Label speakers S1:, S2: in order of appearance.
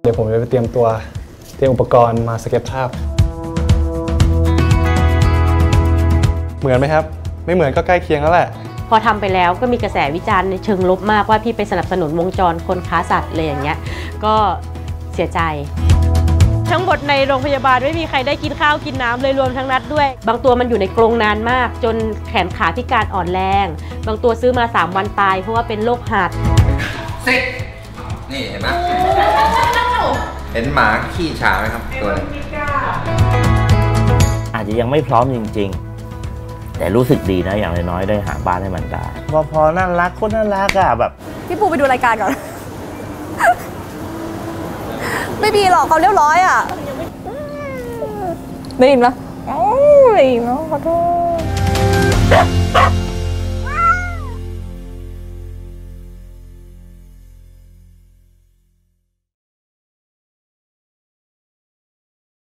S1: เดี๋ยวผมจะไปเตรียมอุปกรณ์มาสเก็ตภาพเหมือนไหมครับไม่เหมือนก็ใกล้เคียงแล้วแหละ
S2: พอทำไปแล้วก็มีกระแสวิจารณ์ในเชิงลบมากว่าพี่ไปสนับสนุนวงจรคนค้าสัตว์เลยอย่างเงี้ยก็เสียใจทั้งหมดในโรงพยาบาลไม่มีใครได้กินข้าวกินน้ำเลยรวมทั้งนัดด้วยบางตัวมันอยู่ในกรงนานมากจนแขนขาพิการอ่อนแรงบางตัวซื้อมา3 วันตายเพราะว่าเป็นโรคหัด
S3: ซิกนี่เห็นไหมเห็นหมาขี้ฉาไหมครับตัวนี้
S4: อาจจะยังไม่พร้อมจริงๆแต่รู้สึกดีนะอย่างน้อยๆได้หาบ้านให้มันได้พอน่ารักคนน่ารักอะแบบ
S5: พี่ปูไปดูรายการก่อน ไม่มีหรอกเขาเรียบร้อยอ่ะได้ยินปะได้ยินแล้วขอโทษ